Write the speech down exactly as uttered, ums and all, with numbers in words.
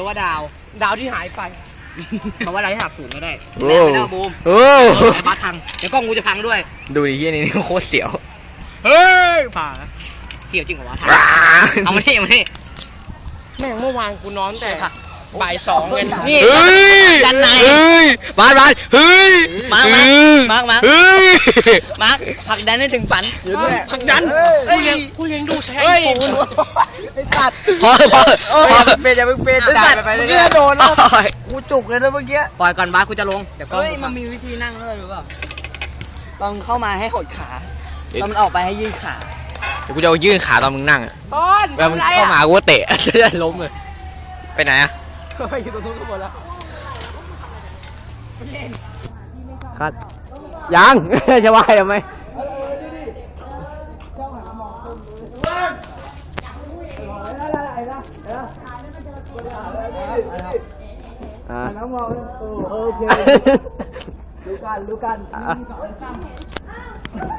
ว่าดาวดาวที่หายไปเพราะว่าดาวที่หักศูนย์ไม่ได้โอ้แล้วบูมโอ้ไอ้บัสพังเดี๋ยวกล้องกูจะพังด้วยดูดิที่นี่นี่โคตรเสียวเฮ้ยผ่าเสียวจริงเหรอวะเอามาที่เอามาที่แม่งเมื่อวานกูนอนแต่บ่ายสองเงินนี่เฮ้ยด้านในเฮ้ยบาสบาสเฮ้ยมาร์คมาร์คมาร์คเฮ้ยมาร์คผลักดันให้ถึงฝันผลักดันกูเลี้ยงกูเลี้ยงดูใช้ไอโฟนไอ้สัตว์พอพอพอเป็นอย่าเพิ่งเป็นไอ้สัตว์ไปเรื่อยๆโดนแล้วกูจุกเลยนะเมื่อกี้ปล่อยก่อนบาสกูจะลงเดี๋ยวกล้องเฮ้ยมันมีวิธีนั่งด้วยหรือเปล่าตอนเข้ามาให้หดขาตอนมันออกไปให้ยืดขาเดี๋ยวกูจะเอายื่นขาตอนมึงนั่งอะต้นเวลามึงเข้ามากูก็เตะ จะได้ล้มเลยไปไหนอะอยู่ตรงนู้นก็หมดแล้วครับยัง จะว่าทำไมอ่าน้องมองโอเคดูกันดูกัน